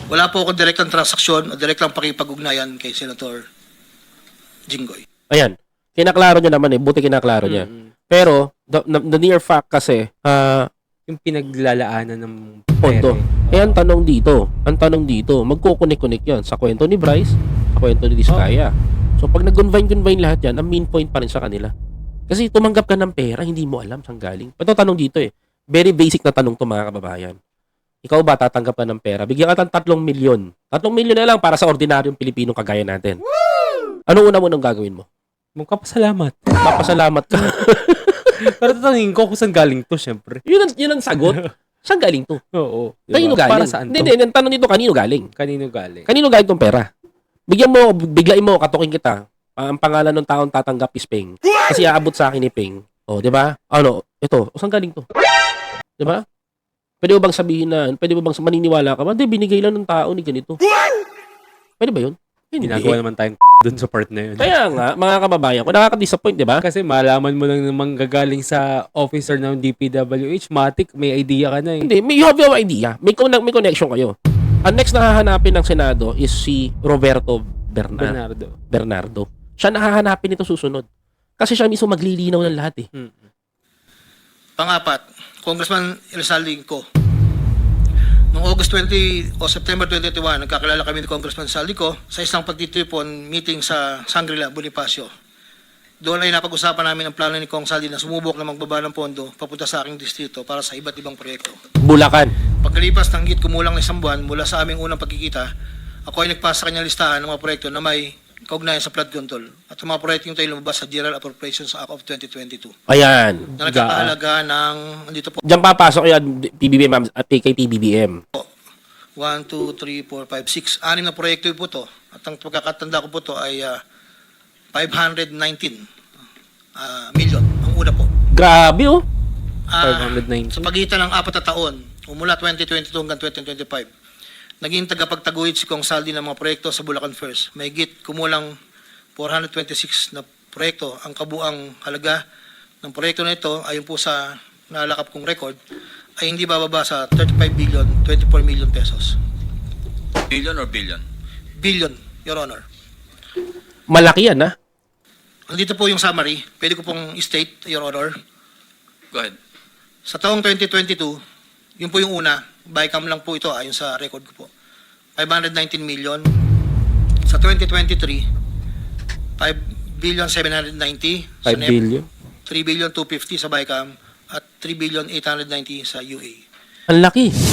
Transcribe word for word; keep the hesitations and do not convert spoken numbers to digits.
Wala po akong direktang transaksyon o direktang pakipag-ugnayan kay Senator Jinggoy. Ayan. Kinaklaro niya naman eh. Buti kinaklaro niya. Mm-hmm. Pero, the, the near fact kasi, ah, Yung pinaglalaanan ng pondo. pere. Eh, ang tanong dito, ang tanong dito, magkukunik-kunik yan sa kwento ni Bryce, sa kwento ni Diskaya. So, pag nag-convine-convine lahat yan, ang main point pa rin sa kanila. Kasi tumanggap ka ng pera, hindi mo alam saan galing. Ito tanong dito eh. Very basic na tanong to mga kababayan. Ikaw ba tatanggap ka ng pera? Bigyan ka ng tatlong milyon. Tatlong milyon na lang para sa ordinaryong Pilipinong kagaya natin. Ano una mo nang gagawin mo? Magpapasalamat. Papasalamat ka. Pero tatanungin ko kung saan galing to, syempre. yun, ang, yun ang sagot. Saan galing to? Oo. Kanino Diba? galing? Para saan Hindi, to? hindi. Ang tanong dito, kanino galing? Kanino galing? Kanino galing tong pera? Bigyan mo, biglain mo, katukin kita. Ah, ang pangalan ng taong tatanggap is Peng. Kasi aabot sa akin ni Peng. O, di ba? Ano, ito, saan galing to? Di ba? Pwede mo bang sabihin na, pwede mo bang maniniwala ka ba? Hindi, binigay lang ng tao ni ganito. Pwede ba yun? Hindi. Ginagawa naman tayong dun sa part na yun. Kaya nga, mga kababayan ko, nakaka-disappoint, di ba? Kasi malaman mo lang namang gagaling sa officer ng D P W H, matik, may idea ka na eh. Hindi, may, you have your idea. May, con- may connection kayo. Ang next na hahanapin ng Senado is si Roberto Bernar- Bernardo. Bernardo. Siya nahahanapin ito susunod. Kasi siya mismo maglilinaw ng lahat eh. Hmm. Pangapat, Congressman Elsaldi ko. Noong August twenty o September twenty twenty-one, nagkakilala kami ni Congressman Saldico sa isang pagtitipon meeting sa Shangri-La, Bonifacio. Doon ay napag-usapan namin ang plano ni Kong Saldi na sumubok na magbaba ng pondo papunta sa aking distrito para sa iba't ibang proyekto. Bulacan. Pagkalipas ng higit kumulang na isang buwan mula sa aming unang pagkikita, ako ay nagpasa sa kanyang listahan ng mga proyekto na may kaugnayan sa flood control at ang mga proyekto yung tayo lumabas sa General Appropriations Act of twenty twenty-two Ayan. na nagkakahalaga ng, andito po, Diyan papasok yan, P B B M at kay P B B M. one, two, three, four, five, six. Anim na proyekto po to. At ang pagkakatanda ko po to ay uh, five hundred nineteen uh, million. Ang una po. Grabe oh. Ah, five hundred nineteen. sa pagitan ng apat na taon, mula twenty twenty-two hanggang twenty twenty-five, naging tagapagtaguyod si Kong Saldi ng mga proyekto sa Bulacan First. May higit kumulang four hundred twenty-six na proyekto. Ang kabuang halaga ng proyekto na ito, ayon po sa nalakap kong record, ay hindi bababa sa thirty-five billion, twenty-four million pesos. Billion or billion? Billion, Your Honor. Malaki yan ha. Andito po yung summary. Pwede ko pong state, Your Honor. Go ahead. Sa taong twenty twenty-two, yun po yung una. Bycam lang po ito ayon sa record ko po. five hundred nineteen million. Sa twenty twenty-three, five billion seven hundred ninety. Sa five N E P, billion. three billion two hundred fifty sa Bycam at three billion eight hundred ninety sa U A. Ang laki.